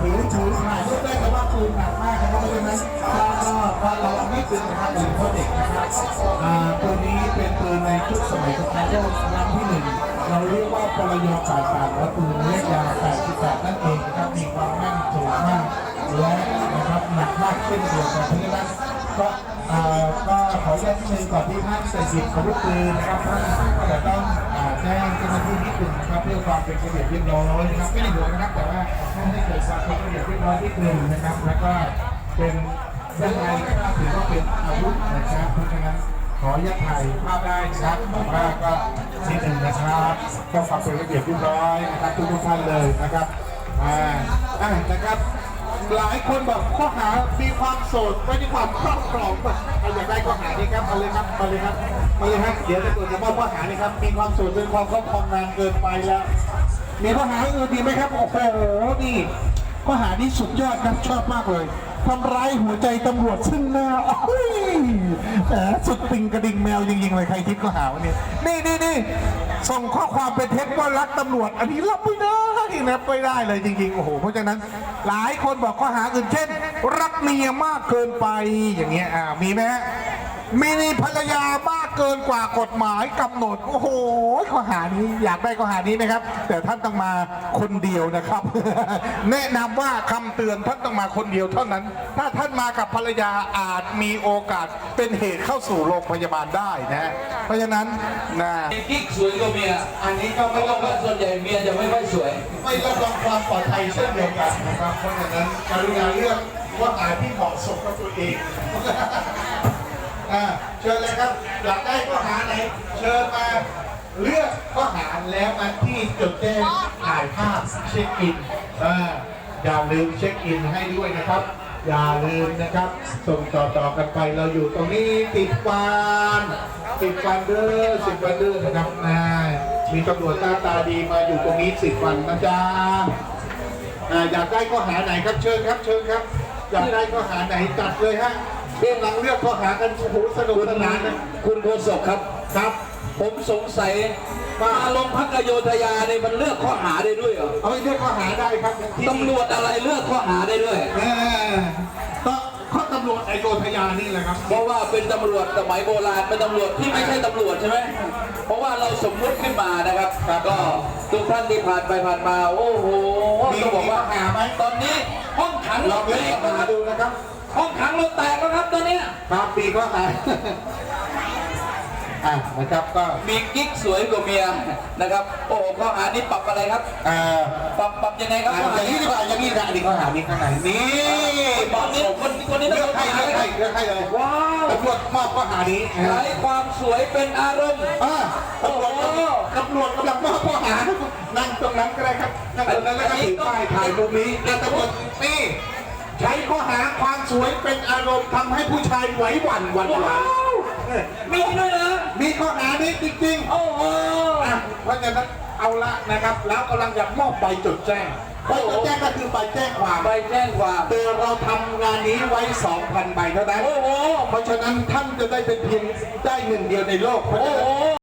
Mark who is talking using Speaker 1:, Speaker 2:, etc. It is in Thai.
Speaker 1: ถือถ่ายรูปได้แต่ว่าปืนหนักมากนะครับเพราะฉะนั้นก็เราไม่ปืนนะครับปืนพ่อเด็กนะครับปืนนี้เป็นปืนในชุดสมัยสงครามโลกครั้งที่หนึ่งเราเรียกว่าปรย88และปืนเล็กยาว88นั่นเองนะครับมีความแม่นสูงมากและนะครับหนักมากเช่นเดียวกันเพราะฉะนั้นก็ขอแจ้งนิดนึงก่อนที่ท่านจะหยิบอาวุธปืนนะครับท่านจะต้องแจ้งเจ้าหน้าที่นิดนึงนะครับเพื่อความเป็นระเบียบเรียบร้อยนะครับไม่ได้ห่วงนะครับแต่ว่าให้เกิดความเป็นระเบียบเรียบร้อยนิดนึงนะครับแล้วก็เป็นยังไงก็ถือว่าเป็นอาวุธนะครับเพราะฉะนั้นขออนุญาตถ่ายภาพได้ครับแต่ว่าก็นิดนึงนะครับต้องความเป็นระเบียบเรียบร้อยนะครับทุกท่านเลยนะครับนะครับหลายคนบอกข้อหามีความโสดไม่มีความครอบครองอยากได้ข้อหานี้ครับมาเลยครับมาเลยครับมาเลยครับเดี๋ยวจะตรวจสอบข้อหานี้ครับมีความโสดเป็นความครอบครองนานเกินไปแล้วมีข้อหาอื่นดีไหมครับโอ้โหนี่ข้อหานี้สุดยอดครับชอบมากเลยทำร้ายหัวใจตำรวจซึ่งหน้าสุดติงกระดิ่งแมวจริงๆเลยใครคิดข้อหาวันนี้นี่ส่งข้อความเป็นเท็จว่ารักตำรวจอันนี้รับไม่ได้นะไม่ได้เลยจริงๆโอ้โหเพราะฉะนั้นหลายคนบอกข้อหาอื่นเช่นรักเมียมากเกินไปอย่างเงี้ยมีไหมฮะมีภรรยามากเกินกว่ากฎหมายกำหนดโอ้โหข้อหานี้อยากได้ข้อหานี้ไหมครับแต่ท่านต้องมาคนเดียวนะครับ แนะนำว่าคำเตือนท่านต้องมาคนเดียวเท่านั้น ถ้าท่านมากับภรรยาอาจมีโอกาสเป็นเหตุเข้าสู่โรงพยาบาลได้นะเพราะฉะนั้นนะ
Speaker 2: กิ๊กสวยกว่าเมีย
Speaker 1: อันนี้ก็ไม่ต้อง
Speaker 2: ส่วนใหญ่เมียจะไม่ค่อยสวย
Speaker 1: ไม่รับรองความปลอดภัยเช่นเดียวกันนะครับเพราะฉะนั้นกรุณาเลือกข้อหาที่เหมาะสมกับตัวเองเชิญเลยครับอยากได้ข้อหาไหนเชิญมาเลือกข้อหาแล้วมาที่จุดแจ้งถ่ายภาพเช็คอินอย่าลืมเช็คอินให้ด้วยนะครับอย่าลืมนะครับส่งต่อกันไปเราอยู่ตรงนี้ติดวันเด้อ10 วันเด้อนะครับมีตำรวจตาดีมาอยู่ตรงนี้10 วันนะจ๊ะอยากได้ข้อหาไหนครับเชิญครับอยากได้ข้อหาไหนจัดเลยฮะกำลังเลือกข้อหากันโอ้โหสนุกสนานนะ
Speaker 2: คุณโฆษกครับผมสงสัยมาลงพักอโยธยาเนี่ยมันเลือกข้อหาได้ด้วยเหรอ
Speaker 1: เอาเลือกข้อหาได้ครับ
Speaker 2: ตำรวจอะไรเลือกข้อหาได้ด้วย
Speaker 1: ก็ข้อตำรวจอโยธยานี่แหละครับ
Speaker 2: เพราะว่าเป็นตำรวจสมัยโบราณเป็นตำรวจที่ไม่ใช่ตำรวจใช่ไหมเพราะว่าเราสมมุติขึ้นมานะครับก็ทุกท่านที่ผ่านไปผ่านมาโอ้โหต้องบอกว่า
Speaker 1: หาไหม
Speaker 2: ตอนนี้ห้องขัง
Speaker 1: เราไปหาดูนะครับ
Speaker 2: ห้องขังเราแตกแล้วครับตอนนี้
Speaker 1: ครับปีก็หายนะครับก็
Speaker 2: มีกิ๊กสวยกว่าเมียนะครับโอ้ข้อหานี้ปรับอะไรครับปรับยังไงครับ
Speaker 1: อย่างนี้ดีกว่าอย่างนี้นะอันนี้ข้อหานี้ข้างในนี่
Speaker 2: ตอนนี้คนนี้
Speaker 1: เลือกให้เลย
Speaker 2: ว้าว
Speaker 1: ตำรวจมอบข้อหานี้
Speaker 2: ใช้ความสวยเป็นอารมณ์
Speaker 1: ตำรวจกำลังมอบข้อหานั่งตรงนั้นก็ได้ครับนั่งตรงนั้นแล้วก็ถือป้ายถ่ายมุมนี้ตำรวจนี่ใช้ข้อหาความสวยเป็นอารมณ์ทำให้ผู้ชายไหวหวั่น
Speaker 2: มีด้วยนะ
Speaker 1: มีข้อหานี้จริงๆ
Speaker 2: โอ้โห
Speaker 1: เพราะฉะนั้นเอาละนะครับแล้วกำลังจะมอบใบจดแจ้งใบจดแจ้งก็คือใบแจ้งความแต่เราทำงานนี้ไว้ 2,000 ใบเท่านั้นเพราะฉะนั้นท่านจะได้เป็นเพียงได้หนึ่งเดียวในโลกเพราะฉะนั้น